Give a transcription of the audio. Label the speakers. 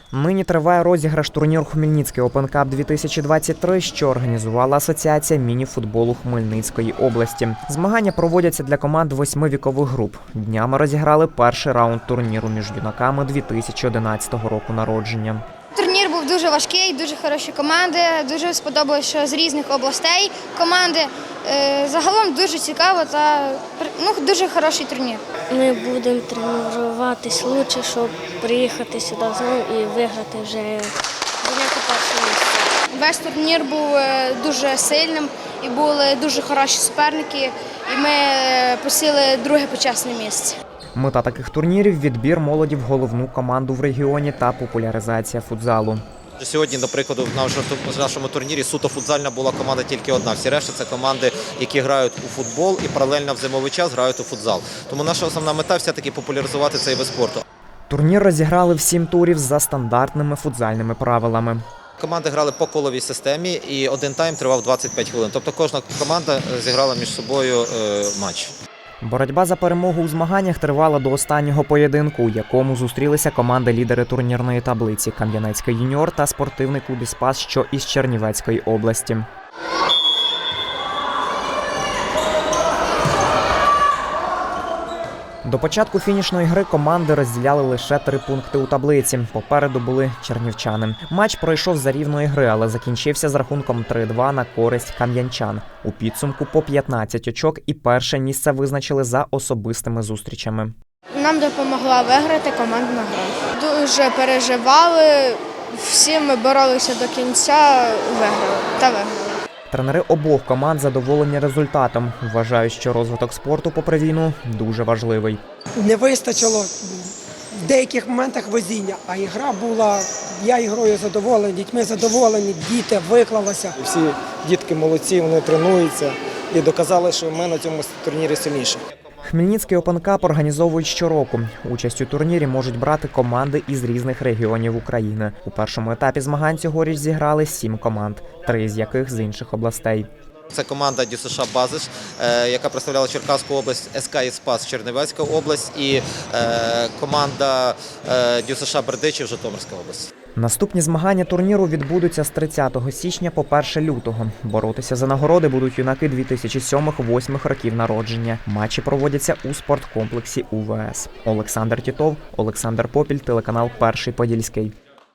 Speaker 1: Нині триває розіграш турніру «Хмельницький Open Cup 2023», що організувала Асоціація міні-футболу Хмельницької області. Змагання проводяться для команд 8 вікових груп. Днями розіграли перший раунд турніру між юнаками 2011 року народження.
Speaker 2: Турнір був дуже важкий, дуже хороші команди, дуже сподобалося, що з різних областей команди. Загалом дуже цікаво та дуже хороший турнір.
Speaker 3: Ми будемо тренуватись краще, щоб приїхати сюди знову і виграти вже зайняти перше місце.
Speaker 2: Весь турнір був дуже сильним і були дуже хороші суперники, і ми посіли друге почесне місце.
Speaker 1: Мета таких турнірів – відбір молоді в головну команду в регіоні та популяризація футзалу.
Speaker 4: Сьогодні, до прикладу, в нашому турнірі суто футзальна була команда тільки одна. Всі решта – це команди, які грають у футбол і паралельно в зимовий час грають у футзал. Тому наша основна мета – все-таки популяризувати цей вид спорту.
Speaker 1: Турнір розіграли в 7 турів за стандартними футзальними правилами.
Speaker 4: Команди грали по коловій системі і один тайм тривав 25 хвилин. Тобто кожна команда зіграла між собою матч.
Speaker 1: Боротьба за перемогу у змаганнях тривала до останнього поєдинку, у якому зустрілися команди-лідери турнірної таблиці «Кам'янецький юніор» та спортивний клуб «Іспас», що із Чернівецької області. До початку фінішної гри команди розділяли лише 3 пункти у таблиці. Попереду були чернівчани. Матч пройшов за рівної гри, але закінчився з рахунком 3-2 на користь кам'янчан. У підсумку по 15 очок і перше місце визначили за особистими зустрічами.
Speaker 2: Нам допомогла виграти командна гра. Дуже переживали, всі ми боролися до кінця, виграли.
Speaker 1: Тренери обох команд задоволені результатом. Вважають, що розвиток спорту попри війну дуже важливий.
Speaker 5: Не вистачило в деяких моментах везіння, а ігра була, я ігрою задоволений, дітьми задоволені, діти виклалися.
Speaker 6: Всі дітки молодці, вони тренуються і доказали, що ми на цьому турнірі сильніші.
Speaker 1: Хмельницький Open Cup організовують щороку. Участь у турнірі можуть брати команди із різних регіонів України. У першому етапі змагань цьогоріч зіграли 7 команд, 3 з яких з інших областей.
Speaker 4: Це команда ДЮСШ «Базис», яка представляла Черкаську область, СК «Іспас» Чернівецька область і команда ДЮСШ «Бердичів» Житомирська область.
Speaker 1: Наступні змагання турніру відбудуться з 30 січня по 1 лютого. Боротися за нагороди будуть юнаки 2007-2008 років народження. Матчі проводяться у спорткомплексі УВС. Олександр Тітов, Олександр Попіль, телеканал «Перший Подільський».